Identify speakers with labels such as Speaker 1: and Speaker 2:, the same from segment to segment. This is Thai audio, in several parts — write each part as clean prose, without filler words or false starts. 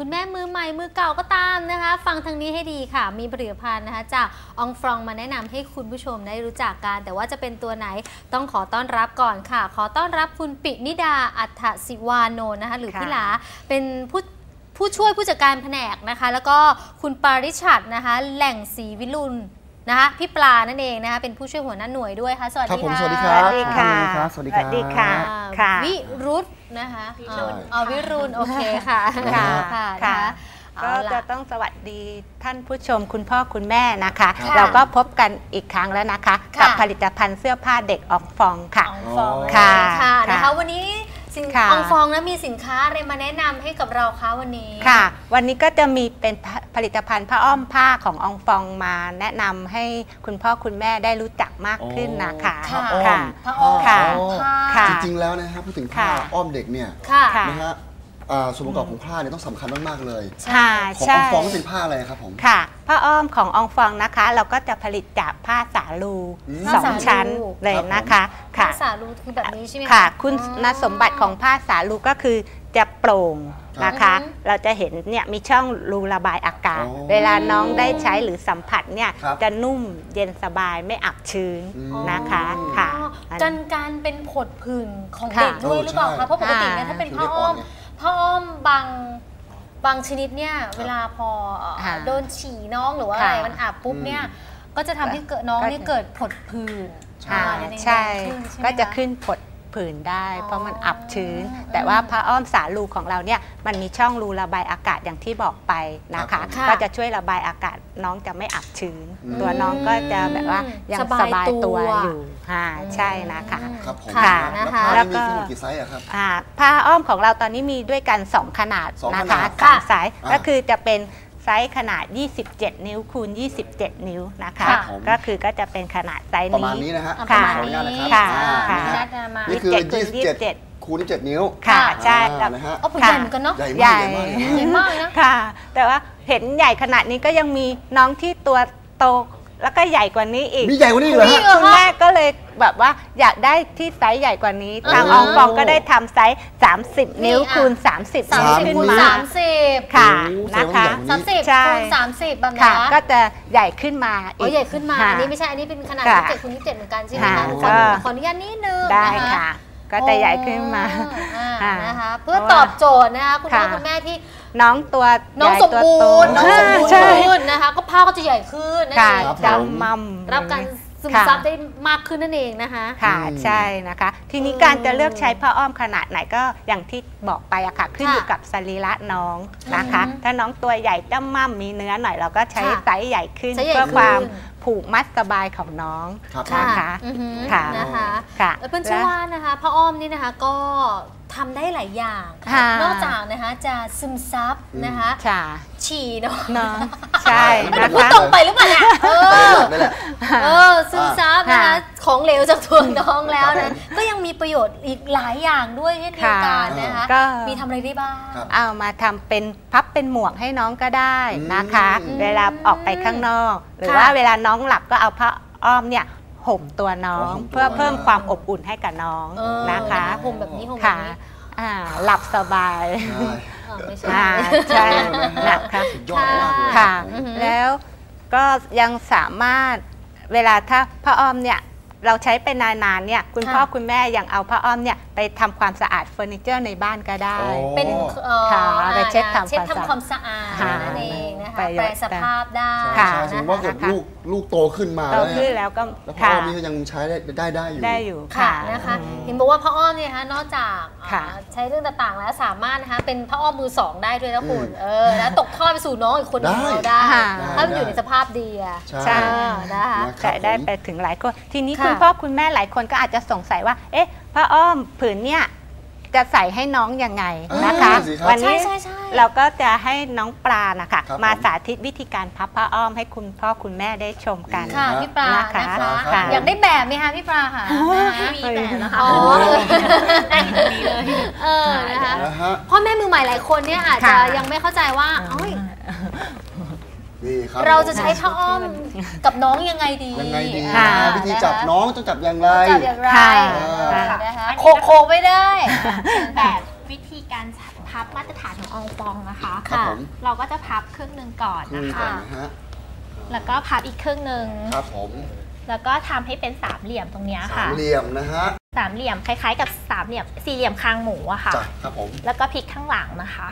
Speaker 1: คุณแม่มือใหม่มือเก่าก็ตามนะคะฟังทางนี้ให้ดีค่ะมีผลิตภัณฑ์นะคะจากองฟรองมาแนะนำให้คุณผู้ชมได้รู้จักกันแต่ว่าจะเป็นตัวไหนต้องขอต้อนรับก่อนค่ะขอต้อนรับคุณปินิดาอัฏฐศิวานนท์นะคะหรือพี่หลาเป็นผู้ช่วยผู้จัดการแผนกนะคะแล้วก็คุณปาริชัดนะคะแหล่งศรีวิรุณนะคะพี่ปลานั่นเองนะคะเป็นผู้ช่วยหัวหน้าหน่วยด้วยค่ะสวัสดีค่ะ
Speaker 2: สวัสดีครับ
Speaker 3: สวัสดีค่ะ
Speaker 2: สวัสดีค่ะ
Speaker 1: วิรุธนะคะวิรุณโอเคค่ะ
Speaker 3: ค่ะก็จะต้องสวัสดีท่านผู้ชมคุณพ่อคุณแม่นะคะเราก็พบกันอีกครั้งแล้วนะคะกับผลิตภัณฑ์เสื้อผ้าเด็กอองฟองค่ะ
Speaker 1: ค่ะนะคะวันนี้อองฟองนะมีสินค้าอะไรมาแนะนำให้กับเราคะวันนี้
Speaker 3: ค่ะวันนี้ก็จะมีเป็นผลิตภัณฑ์ผ้าอ้อมผ้าของอองฟองมาแนะนำให้คุณพ่อคุณแม่ได้รู้จักมากขึ้นนะคะ
Speaker 1: ผ้าอ้อม
Speaker 2: จริงๆแล้วนะครับพูดถึงผ้าอ้อมเด็กเนี่ยนะฮะส่วนประกอบของผ้าเนี่ยต้องสำคัญมากๆเลยของอองฟองเป็นผ้าอะไรครับผม
Speaker 3: ค่ะผ้าอ้อมของอองฟองนะคะเราก็จะผลิตจากผ้าสาลู2 ชั้นเลยนะคะ
Speaker 1: ผ้าสาลูคือแบบนี้ใช่ไหม
Speaker 3: ค่ะคุณสมบัติของผ้าสาลูก็คือจะโปร่งนะคะเราจะเห็นเนี่ยมีช่องรูระบายอากาศเวลาน้องได้ใช้หรือสัมผัสเนี่ยจะนุ่มเย็นสบายไม่อับชื้นนะคะค่ะ
Speaker 1: การเป็นผดผื่นของเด็กด้วยหรือเปล่าคะเพราะปกติเนี่ยถ้าเป็นผ้าอ้อมบางชนิดเนี่ยเวลาพอโดนฉี่น้องหรือว่าอะไรมันอาบปุ๊บเนี่ยก็จะทำให้เกิดน้องนี่เกิดผดผื่น
Speaker 3: ใช่ก็จะขึ้นผดผื่นได้เพราะมันอับชื้นแต่ว่าผ้าอ้อมสาลูของเราเนี่ยมันมีช่องรูระบายอากาศอย่างที่บอกไปนะคะก็จะช่วยระบายอากาศน้องจะไม่อับชื้นตัวน้องก็จะแบบว่ายังสบายตัวอยู่ใช่นะคะ
Speaker 2: ค่ะแล้วก็มีกี่ไซส์ครับ
Speaker 3: ผ้าอ้อมของเราตอนนี้มีด้วยกัน2 ขนาดนะคะ3 ไซส์ก็คือจะเป็นไซส์ขนาด27 นิ้วคูณ27 นิ้วนะคะก็คือก็จะเป็นขนาดไซส์นี้
Speaker 2: ประมาณนี้นะฮะ
Speaker 3: ค่ะ
Speaker 2: นี่คือ27คูณ27 นิ้ว
Speaker 3: ค่ะใช่
Speaker 1: นะฮะใหญ่เหมือนกันเนาะ
Speaker 2: ใหญ่
Speaker 1: มากนะ
Speaker 3: ค่ะแต่ว่าเห็นใหญ่ขนาดนี้ก็ยังมีน้องที่ตัวโตแล้วก็ใหญ่กว่านี้อีก
Speaker 2: มีใหญ่กว่านี้เหรอ
Speaker 3: คุณแม่ก็เลยแบบว่าอยากได้ที่ไซส์ใหญ่กว่านี้ทางอองฟองก็ได้ทำไซส์30 นิ้วคูณ30
Speaker 1: คูณ30
Speaker 3: ค่ะนะคะ
Speaker 1: 30คูณ30แบบนี้
Speaker 3: ก็จะใหญ่ขึ้นมาอีก
Speaker 1: ใหญ่ขึ้นมาอันนี้ไม่ใช่อันนี้เป็นขนาด27คูณ27เหมือนกันใช่ไหมคะขออนุญาตนิดนึง
Speaker 3: ได้ค่ะก็จะใหญ่ขึ้นมา
Speaker 1: นะคะเพื่อตอบโจทย์นะคะคุณพ่อคุณแม่ที่
Speaker 3: น้อง
Speaker 1: สมบูรณ์นะคะก็ผ้าก็จะใหญ่ขึ้นนะคะ
Speaker 3: จำมั่ม
Speaker 1: รับการซึมซับได้มากขึ้นนั่นเองนะคะ
Speaker 3: ค่ะใช่นะคะทีนี้การจะเลือกใช้ผ้าอ้อมขนาดไหนก็อย่างที่บอกไปอะค่ะขึ้นอยู่กับสรีระน้องนะคะถ้าน้องตัวใหญ่จำมั่มมีเนื้อหน่อยเราก็ใช้ไซส์ใหญ่ขึ้นเพื่อความผูกมัดสบายของน้องนะคะ
Speaker 1: ค่ะนะคะแล้วเพื่อนเชื่อว่านะคะผ้าอ้อมนี่นะคะก็ทำได้หลายอย่างนอกจากนะคะจะซึมซับนะคะฉี่เนาะ
Speaker 3: ใช่นะคะ
Speaker 1: พูดตรงไปหรือเปล่าเนี่ยซึมซับนะคะของเหลวจากตัวน้องแล้วนะก็ยังมีประโยชน์อีกหลายอย่างด้วยเช่นเดียวกันนะคะมีทำอะไรได้บ้าง
Speaker 3: เอามาทำเป็นพับเป็นหมวกให้น้องก็ได้นะคะเวลาออกไปข้างนอกหรือว่าเวลาน้องหลับก็เอาผ้าอ้อมเนี่ยห่มตัวน้องเพื่อเพิ่มความอบอุ่นให้กับน้องนะคะ
Speaker 1: ห่มแบบนี้ห่มแบบนี้
Speaker 3: หลับสบายใช่นะคะค่ะแล้วก็ยังสามารถเวลาถ้าผ้าอ้อมเนี่ยเราใช้ไปนานๆเนี่ยคุณพ่อคุณแม่ยังเอาผ้าอ้อมเนี่ยไปทำความสะอาดเฟอร์นิเจอร์ในบ้านก็ได้
Speaker 1: เป็น
Speaker 3: ไปเช็ดท
Speaker 1: ำความสะอาดนั่นเองนะคะแปลสภาพได้
Speaker 2: สมมติว่าเกิดลูกโตขึ้นมา
Speaker 3: แล้วก็
Speaker 2: ผ้าอ้อมนี่ยังใช้ได้อยู่
Speaker 1: ค่ะนะคะเห็นบอกว่าผ้าอ้อมเนี่ยนะคะนอกจากใช้เรื่องต่างๆแล้วสามารถนะคะเป็นผ้าอ้อมมือ2ได้ด้วยนะคุณแล้วตกทอดไปสู่น้องอีกคนนึงเราได้ถ้ามันอยู่ในสภาพดี
Speaker 3: ใช่นะคะแต่ได้ไปถึงหลายคนทีนี้คุณพ่อคุณแม่หลายคนก็อาจจะสงสัยว่าเอ๊ะผ้าอ้อมผืนเนี่ยจะใส่ให้น้องยังไงนะคะวันนี้เราก็จะให้น้องปลานะคะมาสาธิตวิธีการพับผ้าอ้อมให้คุณพ่อคุณแม่ได้ชมกัน
Speaker 1: ค่ะพี่ปลานะคะอยากได้แบบไหมคะพี่ปลาค่ะมีแบบนะคะได้ดีเลยนะคะพ่อแม่มือใหม่หลายคนเนี่ยอาจจะยังไม่เข้าใจว่าเราจะใช้ผ้าอ้อมกับน้องยังไงดี
Speaker 2: วิธีจับน้องต้องจับอย่างไร
Speaker 1: นะคะโคไม่ได้
Speaker 4: แบบวิธีการพัพับมาตรฐานของอองฟองนะคะ
Speaker 2: ครับผม
Speaker 4: เราก็จะพับครึ่งหนึ่งก่อนนะคะแล้วก็พับอีกครึ่งหนึ่ง
Speaker 2: ครับผม
Speaker 4: แล้วก็ทำให้เป็นสามเหลี่ยมตรงนี้ค่ะ
Speaker 2: สามเหลี่ยมนะฮะ
Speaker 4: สามเหลี่ยมคล้ายๆกับสามเหลี่ยมสี่เหลี่ยมคางหมูอะค่ะ
Speaker 2: ครับผม
Speaker 4: แล้วก็พลิกข้างหลังนะคะ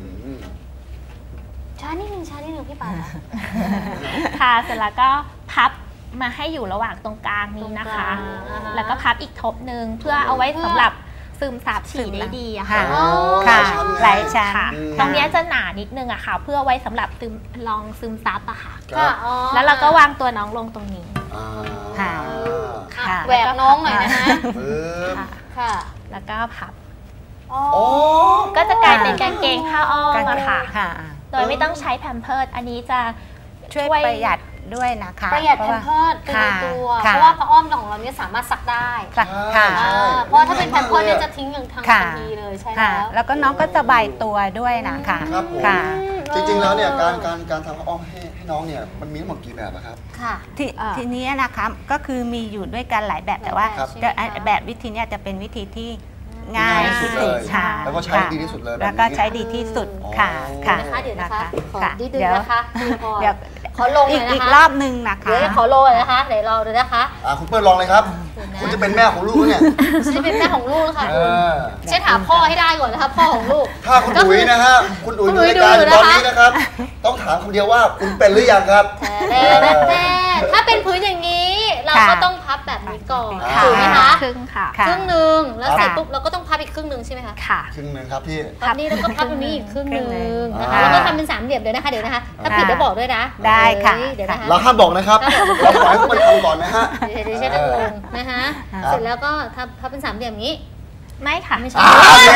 Speaker 1: ช้านิดนึงพี่ปา
Speaker 4: ค่ะเสร็จแล้วก็พับมาให้อยู่ระหว่างตรงกลางนี้นะคะแล้วก็พับอีกทบหนึ่งเพื่อเอาไว้สำหรับซึมซับฉี่ได้ดีอะค่ะ
Speaker 3: ค่ะหลายชั้น
Speaker 4: ตรงนี้จะหนานิดนึงอะค่ะเพื่อไว้สำหรับลองซึมซับอะค่ะแล้วเราก็วางตัวน้องลงตรงนี้
Speaker 1: ค่ะแหวกน้องหน่อยนะคะ
Speaker 4: ค่ะแล้วก็พับก็จะกลายเป็นกางเกงผ้าอ้อมอะค่ะโดยไม่ต้องใช้แพมเพิร์สอันนี้จะ
Speaker 3: ช่วยประหยัดด้วยนะคะ
Speaker 1: ประหยัดแพมเพิร์สเป็นตัวเพราะว่าผ้าอ้อมของเราเนี่ยสามารถซักได้เพราะถ้าเป็นแพมเพิร์สเนี่ยจะทิ้งอย่างทันทีเลยใช่
Speaker 3: แล้วก็น้องก็สบายตัวด้วยนะคะ
Speaker 2: ค่ะจริงๆแล้วเนี่ยการทำผ้าอ้อมให้น้องเนี่ยมันมีทั้งหมดกี่แบบครับ
Speaker 3: ค่ะทีนี้นะคะก็คือมีอยู่ด้วยกันหลายแบบแต่ว่าแบบวิธีนี้จะเป็นวิธีที่ง่ายที่สุดค่ะ
Speaker 2: แล้วก็ใช้ดีที่สุดเลย
Speaker 3: แล้วก็ใช้ดีที่สุดค่ะ
Speaker 1: ค่ะเดี๋ยวนะคะขอดีดึงนะคะ
Speaker 3: เดี๋ยว
Speaker 1: ขอลงเลยนะคะ
Speaker 3: อีกรอบนึงนะคะ
Speaker 1: เดี๋ยวขอลงเลยนะคะเดี๋ยวรอดูนะคะ
Speaker 2: คุณเปิ้ลลองเลยครับคุณจะเป็นแม่ของลูกเนี่ย
Speaker 1: จะเป็นแม่ของลูกค่ะเช่นหาพ่อให้ได้ก่อนนะคะพ่อของลูก
Speaker 2: ถ้าคุณอุ๋ยนะฮะคุณอุ๋ยดูรายการตอนนี้นะครับต้องถามคำเดียวว่าคุณเป็นหรือยังครับ
Speaker 1: แต่ถ้าเป็นพื้นอย่างนี้เราก็ต้องพับแบบนี้ก่อนถูกไหมคะ
Speaker 4: ครึ่งค่ะ
Speaker 1: ครึ่งหนึ่งแล้วเสร็จปุ๊บเราก็ต้องพับอีกครึ่งหนึ่งใช่ไหมคะ
Speaker 4: ค่ะ
Speaker 2: ครึ่งหนึ่งครับพี่
Speaker 1: พับนี้แล้วก็พับตรงนี้อีกครึ่งหนึ่งนะคะแล้วก็ทำเป็นสามเหลี่ยมเดี๋ยวนะคะถ้าผิดได้บอกด้วยนะ
Speaker 3: ได้ค่ะ
Speaker 1: เดี๋ยวนะคะ
Speaker 2: เราห้ามบอกนะครับเราปล่อยให้มันทำก่อนนะฮะ
Speaker 1: เดี๋ยวใช้ตะโกนนะคะเสร็จแล้วก็พับเป็นสามเหลี่ยมนี้
Speaker 4: ไม่ค่ะ
Speaker 1: ไม่ใช่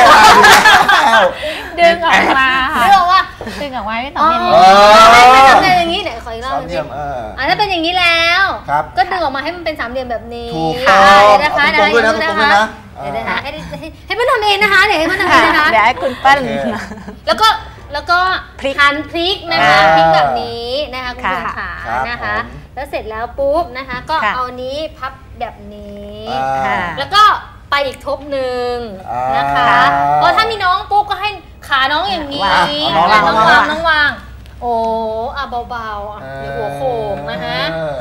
Speaker 4: ดึงออกมา
Speaker 1: ดึงออกว่า
Speaker 4: ดึงออกมาไม่สามเหลี่ยม
Speaker 1: ไม่ทำอะไรอย่างนี้ไหนขออีกรอบนึงถ้าเป็นอย่างนี้แล้วก็ดึงออกมาให้มันเป็นสามเหลี่ยมแบบนี้
Speaker 2: ถูกต้อง
Speaker 1: นะคะได้นะคะเดี๋ยวนะคะให้มันทำเองนะคะเดี๋ยวให้มันทำเองนะคะ
Speaker 3: เดี๋ยวให้คุณเปิ้ล
Speaker 1: แล้วก็หั่นพริกนะคะพริกแบบนี้นะคะคุณผู้ชมขานะคะแล้วเสร็จแล้วปุ๊บนะคะก็เอานี้พับแบบนี้แล้วก็ไปอีกทบหนึ่งนะคะเพราะถ้ามีน้องปุ๊บก็ให้ขาน้องอย่างนี้น้องวางโอ้เบาๆเดี๋ยวหัวโขงนะคะ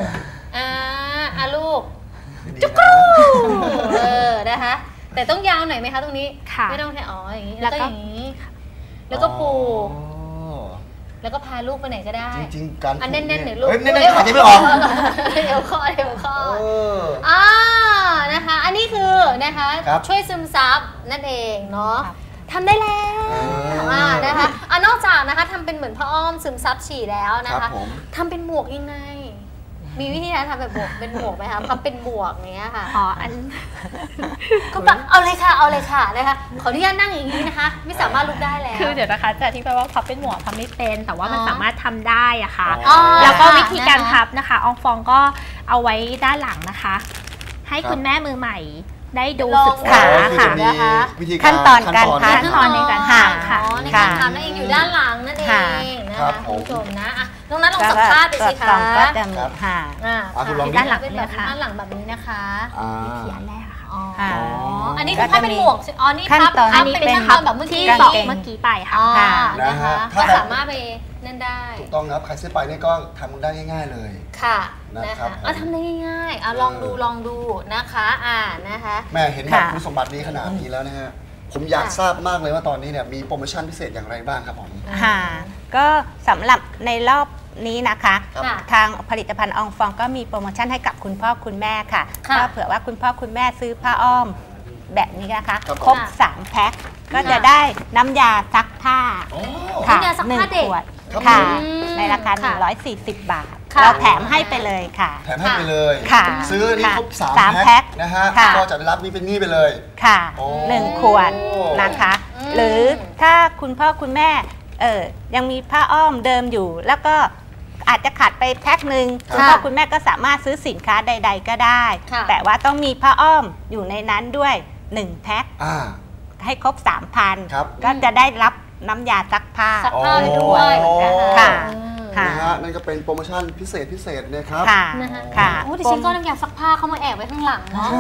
Speaker 1: ลูกจุ๊กนะคะแต่ต้องยาวหน่อยไหมคะตรงนี้ไม่ต้องแค่อย่างนี้แล้วก็อย่างนี้แล้วก็ปูแล้วก็พาลูกไปไหนก็ได้
Speaker 2: จริงๆการ
Speaker 1: แน่นๆหน่อยลูก
Speaker 2: แน่นๆขาจะไม่ออก
Speaker 1: เดี๋ยวข้อนะคะอันนี้คือนะคะช่วยซึมซับนั่นเองเนาะทำได้แล้วนะคะนอกจากนะคะทำเป็นเหมือนผ้าอ้อมซึมซับฉี่แล้วนะคะทำเป็นหมวกยังไงมีวิธีการทำแบบเป็นหมวกไหมคะพับเป็นหมวกเนี้ยค่ะ
Speaker 4: อัน
Speaker 1: ก็เอาเลยค่ะนะคะขออนุญาตนั่งอย่างนี้นะคะไม่สามารถลุกได้แล้ว
Speaker 4: คือเดี๋ยวนะคะจะที่แปลว่าพับเป็นหมวกทำไม่เป็นแต่ว่ามันสามารถทำได้อะค่ะแล้วก็วิธีการพับนะคะอองฟองก็เอาไว้ด้านหลังนะคะให้คุณแม่มือใหม่ได้ดูศึกษาค่ะ
Speaker 1: นะคะ
Speaker 3: ขั้นตอนการพับ
Speaker 4: ขั้นตอนในการพับค่ะ
Speaker 1: ในการทำนั่นเองอยู่ด้านหลังนั่นเองนะคะคุณผู้ชมนะตรงนั้นลองสัมภาษณ์ไปสิคะ
Speaker 3: ก็จะมี
Speaker 1: ด้านหลังแบบด้านหลังแบบนี้นะคะ
Speaker 4: วิธีอันแรก
Speaker 1: ค่ะอันนี้คือพับเป็นหมวกนี่พับเป็นพับแบบเมื่อกี้
Speaker 4: บอกเมื่อกี้ไปค่ะ
Speaker 1: นะคะก็สามารถไปนั่นได้
Speaker 2: ถูกต้องครับใครซื้อไปนี่ก็ทำได้ง่ายๆเลย
Speaker 1: ค่ะนะคะทำได้ง่ายๆลองดูนะคะนะคะ
Speaker 2: แม่เห็นแบบคุณสมบัตินี้ขนาดนี้แล้วนะฮะผมอยากทราบมากเลยว่าตอนนี้เนี่ยมีโปรโมชั่นพิเศษอย่างไรบ้างครับผม
Speaker 3: ค่ะก็สำหรับในรอบนี้นะคะทางผลิตภัณฑ์อองฟองก็มีโปรโมชั่นให้กับคุณพ่อคุณแม่ค่ะก็เผื่อว่าคุณพ่อคุณแม่ซื้อผ้าอ้อมแบบนี้นะคะครบ3แพ็คก็จะได้น้ำยาซักผ้า
Speaker 1: ค่ะ1 ขวด
Speaker 3: ค่ะในราคา140 บาทเราแถมให้ไปเลยค่ะ
Speaker 2: แถมให้ไปเลยซื้อนี่ครบ3 แพ็
Speaker 3: ค
Speaker 2: นะฮะก็จะได้รับนี่เป็นนี่ไปเลย
Speaker 3: ค่ะ1 ขวดนะคะหรือถ้าคุณพ่อคุณแม่ยังมีผ้าอ้อมเดิมอยู่แล้วก็อาจจะขาดไปแพ็คหนึ่งคุณพ่อคุณแม่ก็สามารถซื้อสินค้าใดๆก็ได้แต่ว่าต้องมีผ้าอ้อมอยู่ในนั้นด้วย1 แพ็คให้ครบ 3,000 ก็จะได้รับน้ำยาซักผ้า
Speaker 1: ด้วย
Speaker 3: ค่ะ
Speaker 2: นะฮะะนั่นก็เป็นโปรโมชั่นพิเศษนะครับ
Speaker 1: ค่ะโอ้ดิฉันก็น้ำยาซักผ้าเขามาแอบไว้ข้างหลังเนาะ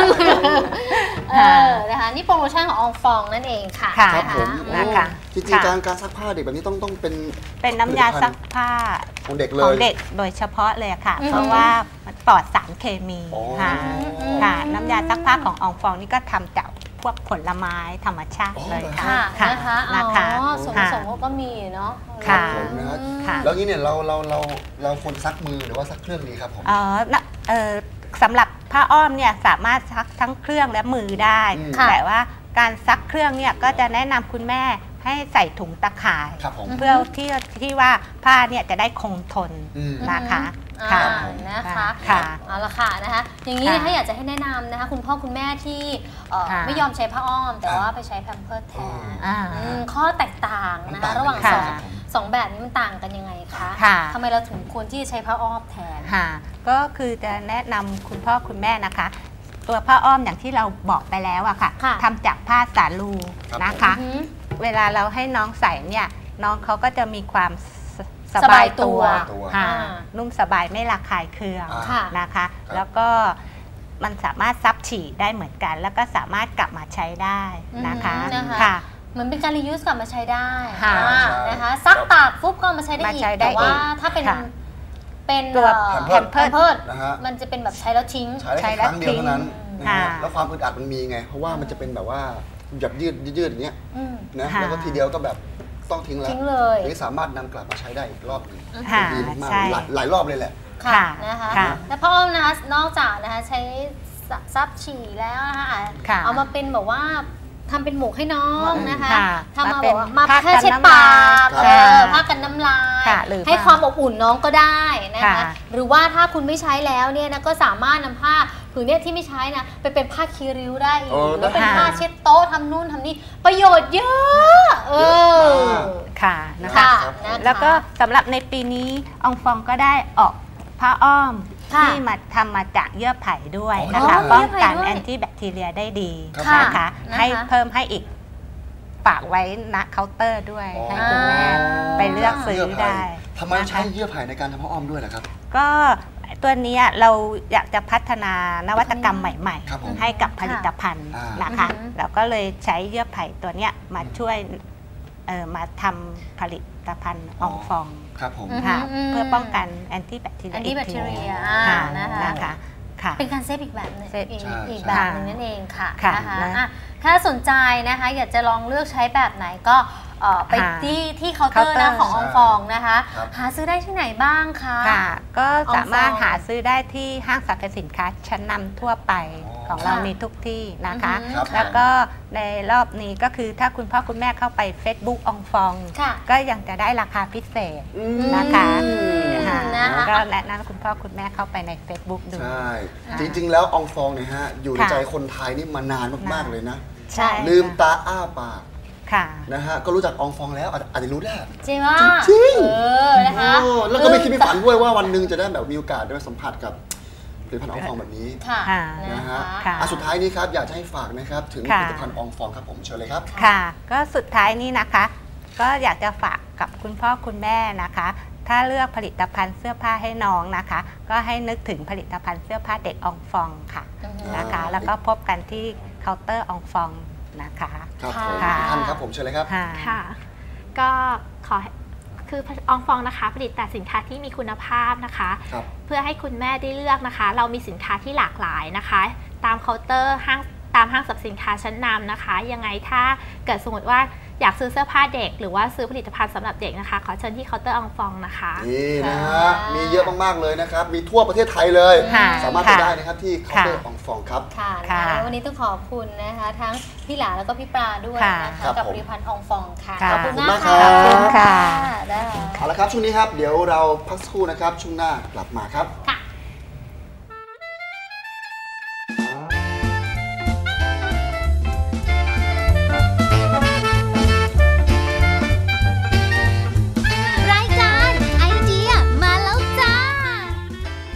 Speaker 1: นะคะนี่โปรโมชั่นของอองฟองนั่นเองค่ะ
Speaker 2: ครับผมนะคะจริงๆการซักผ้าเด็กแบบนี้ต้อง
Speaker 3: เป็นน้ำยาซักผ้า
Speaker 2: ของเด็กเลย
Speaker 3: ของเด็กโดยเฉพาะเลยค่ะเพราะว่าปลอดสารเคมีค่ะน้ำยาซักผ้าของอองฟองนี่ก็ทำจากพวกผลไม้ธรรมชาติเลย
Speaker 1: ค่ะนะคะส่วนผสมก็มีเนาะ
Speaker 2: ค่ะแล้วนี้เนี่ยเราควรซักมือหรือว่าซักเครื่องดีครับผม
Speaker 3: สำหรับผ้าอ้อมเนี่ยสามารถซักทั้งเครื่องและมือได้แต่ว่าการซักเครื่องเนี่ยก็จะแนะนำคุณแม่ให้ใส่ถุงตะข่ายเพื่อที่ว่าผ้าเนี่ยจะได้คงทนนะคะ
Speaker 1: นะคะเอาละค่ะนะคะอย่างนี้ถ้าอยากจะให้แนะนำนะคะคุณพ่อคุณแม่ที่ไม่ยอมใช้ผ้าอ้อมแต่ว่าไปใช้แพมเพิร์สแทนข้อแตกต่างนะคะระหว่างสองแบบนี้มันต่างกันยังไงคะทำไมเราถึงควรที่จะใช้ผ้าอ้อมแทน
Speaker 3: ก็คือจะแนะนำคุณพ่อคุณแม่นะคะตัวผ้าอ้อมอย่างที่เราบอกไปแล้วอะค่ะทำจากผ้าสาลูนะคะเวลาเราให้น้องใส่เนี่ยน้องเขาก็จะมีความสบายตัวนุ่มสบายไม่ระคายเคืองนะคะแล้วก็มันสามารถซับฉี่ได้เหมือนกันแล้วก็สามารถกลับมาใช้ได้นะคะ
Speaker 1: เหมือนเป็นการรียูสกลับมาใช้ได้นะคะซักตากปุ๊บก็มาใช้ได้อีกแต่ว่าถ้าเป็น
Speaker 3: ตัว
Speaker 1: แพมเพิร์สมันจะเป็นแบบใช้แล้วทิ้ง
Speaker 2: ใช้แล้วทิ้งเท่านั้นแล้วความอึดอัดมันมีไงเพราะว่ามันจะเป็นแบบว่าหยับยืดอย่างเงี้ยนะแล้วก็ทีเดียวก็แบบต้องทิ้งแล้วนี่สามารถนำกลับมาใช้ได้อีกรอบนึงดีมากหลายรอบเลยแหละ
Speaker 1: ค่ะนะคะแล้วพ่ออ้อมนะคะนอกจากนะคะใช้ซับฉี่แล้วนะคะเอามาเป็นแบบว่าทำเป็นหมวกให้น้องนะคะทำมาบอกว่ามาแค่เช็ดปากผ้ากันน้ำลายให้ความอบอุ่นน้องก็ได้นะคะหรือว่าถ้าคุณไม่ใช้แล้วเนี่ยนะก็สามารถนำผ้าผืนนี้ที่ไม่ใช้นะไปเป็นผ้าคีริ้วได้อีกหรือเป็นผ้าเช็ดโต๊ะทำนู่นทำนี่ประโยชน์เยอะ
Speaker 3: ค่ะนะคะแล้วก็สำหรับในปีนี้อองฟองก็ได้ออกผ้าอ้อมที่มาทำมาจากเยื่อไผ่ด้วยนะคะป้องกันแอนตี้แบคทีเรียได้ดีนะคะให้เพิ่มให้อีกฝากไว้ณเคาน์เตอร์ด้วยให้คุณแม่ไปเลือกซื้อได้
Speaker 2: ทำไมใช้เยื่อไผ่ในการทำผ้าอ้อมด้วยล่ะครับ
Speaker 3: ก็ตัวนี้เราอยากจะพัฒนานวัตกรรมใหม่ๆให้กับผลิตภัณฑ์นะคะเราก็เลยใช้เยื่อไผ่ตัวนี้มาช่วยมาทำผลิตภัณฑ์อองฟอง
Speaker 2: ครับผม
Speaker 3: เพื่อป้องกันแอนตี้แบคทีเรียนะคะ
Speaker 1: เป็นการเซฟอีกแบบนึงอีกแบบนึงนั่นเองค่ะนะคะถ้าสนใจนะคะอยากจะลองเลือกใช้แบบไหนก็ไปที่เคาน์เตอร์นะของอองฟองนะคะหาซื้อได้ที่ไหนบ้างคะ
Speaker 3: ก็สามารถหาซื้อได้ที่ห้างสรรพสินค้าชั้นนำทั่วไปของเรามีทุกที่นะคะแล้วก็ในรอบนี้ก็คือถ้าคุณพ่อคุณแม่เข้าไป Facebook อองฟองก็ยังจะได้ราคาพิเศษนะคะก็แนะนำคุณพ่อคุณแม่เข้าไปใน Facebook ดู
Speaker 2: ใช่จริงๆแล้วอองฟองเนี่ยฮะอยู่ในใจคนไทยนี่มานานมากๆเลยนะลืมตาอ้าปากนะฮะก็รู้จักอองฟองแล้วอาจจะรู้ได้
Speaker 1: จริงว่า
Speaker 2: จริงนะคะแล้วก็ไม่คิดไม่ฝันด้วยว่าวันหนึ่งจะได้แบบมีโอกาสได้สัมผัสกับผลิตภัณฑ์อองฟองแบบนี้นะฮะสุดท้ายนี้ครับอยากให้ฝากนะครับถึงผลิตภัณฑ์อองฟองครับผมเชิญเลยครับ
Speaker 3: ค่ะก็สุดท้ายนี้นะคะก็อยากจะฝากกับคุณพ่อคุณแม่นะคะถ้าเลือกผลิตภัณฑ์เสื้อผ้าให้น้องนะคะก็ให้นึกถึงผลิตภัณฑ์เสื้อผ้าเด็กอองฟองค่ะนะคะแล้วก็พบกันที่เคาน์เตอร์อองฟองนะคะ
Speaker 2: ครับผมท่านครับผมเชิญเลยครับ
Speaker 4: ค่ะก็ขอคืออองฟองนะคะผลิตแต่สินค้าที่มีคุณภาพนะคะเพื่อให้คุณแม่ได้เลือกนะคะเรามีสินค้าที่หลากหลายนะคะตามเคาน์เตอร์ตามห้างสรรพสินค้าชั้นนำนะคะยังไงถ้าเกิดสมมติว่าอยากซื้อเสื้อผ้าเด็กหรือว่าซื้อผลิตภัณฑ์สำหรับเด็กนะคะขอเชิญที่เคาน์เตอร์อองฟองนะคะ
Speaker 2: นี่นะฮะมีเยอะมากๆเลยนะครับมีทั่วประเทศไทยเลยสามารถไปได้นะครับที่เคาน์เตอร์อองฟองครับ
Speaker 1: ค่ะวันนี้ต้องขอบคุณนะคะทั้งพี่หลาแล้วก็พี่ปลาด้วยนะคะกับผลิตภัณฑ์อองฟองค่ะ
Speaker 2: ขอบคุณมากครับเอาละครับช่วงนี้ครับเดี๋ยวเราพักสักครู่นะครับช่วงหน้ากลับมาครับ